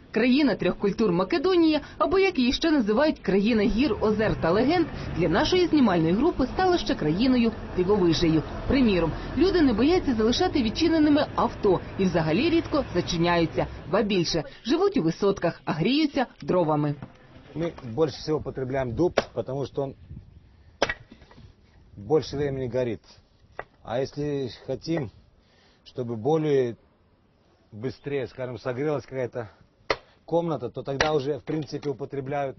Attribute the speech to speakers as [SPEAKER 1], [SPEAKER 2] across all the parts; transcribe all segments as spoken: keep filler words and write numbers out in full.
[SPEAKER 1] Країна трьох культур Македонія, або як її ще називають країна гір, озер та легенд, для нашої знімальної групи стала ще країною дивовижею. Приміром, люди не бояться залишати відчиненими авто і взагалі рідко зачиняються. Ба більше, живуть у висотках, а гріються дровами.
[SPEAKER 2] Мы больше всего потребляем дуб, потому что он больше времени горит. А если хотим, чтобы более быстрее, скажем, согрелась какая-то комната, то тогда уже, в принципе, употребляют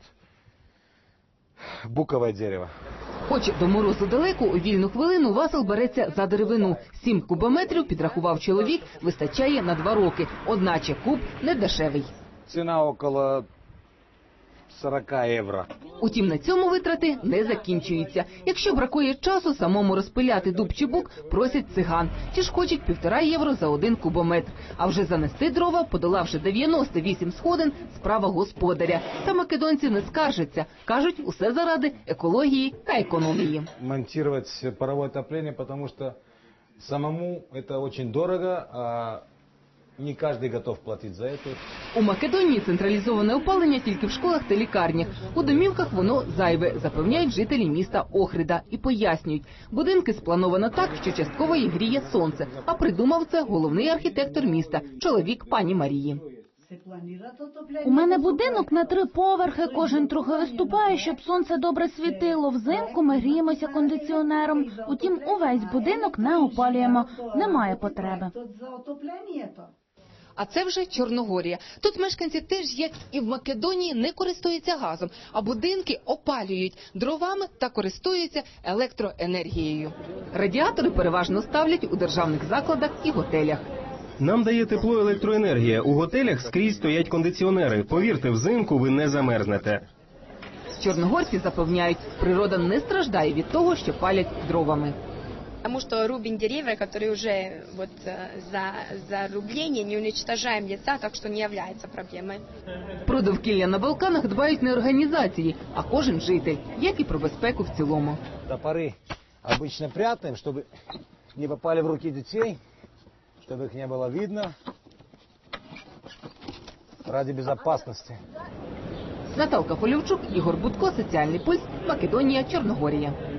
[SPEAKER 2] буковое дерево.
[SPEAKER 1] Хоч до морозу далеко, у вільну хвилину Васил береться за деревину. Сім кубометрів, підрахував чоловік, вистачає на два роки. Одначе куб не дешевий.
[SPEAKER 2] Цена около сорок євро.
[SPEAKER 1] Утім, на цьому витрати не закінчуються. Якщо бракує часу самому розпиляти дуб чи бук, просять циган. Ті ж хочуть півтора євро за один кубометр. А вже занести дрова, подолавши дев'яносто вісім сходин, справа господаря. Та македонці не скаржаться. Кажуть, усе заради екології та економії.
[SPEAKER 2] Монтировать паровое отопление, потому что самому это очень дорого, а не каждый готов платить за это.
[SPEAKER 1] У Македонії централізоване опалення тільки в школах та лікарнях. У домівках воно зайве, запевняють жителі міста Охрида. І пояснюють, будинки сплановано так, що частково їх гріє сонце. А придумав це головний архітектор міста, чоловік пані Марії.
[SPEAKER 3] У мене будинок на три поверхи, кожен трохи виступає, щоб сонце добре світило. Взимку ми гріємося кондиціонером, утім увесь будинок не опалюємо, немає потреби.
[SPEAKER 1] А це вже Чорногорія. Тут мешканці теж, як і в Македонії, не користуються газом, а будинки опалюють дровами та користуються електроенергією. Радіатори переважно ставлять у державних закладах і готелях.
[SPEAKER 4] Нам дає тепло електроенергія. У готелях скрізь стоять кондиціонери. Повірте, взимку ви не замерзнете.
[SPEAKER 1] Чорногорці запевняють, природа не страждає від того, що палять дровами.
[SPEAKER 5] Потому что рубим деревья, которые уже вот за, за рубление, не уничтожаем леса, так что не является проблемой.
[SPEAKER 1] Про довкілля на Балканах дбають не організації, а кожен житель, як і про безпеку в цілому.
[SPEAKER 2] Топоры обычно прятаем, чтобы не попали в руки детей, чтобы их не было видно, ради безопасности.
[SPEAKER 1] Наталка Полівчук, Ігор Будко, Соціальний пульс, Македонія, Чорногорія.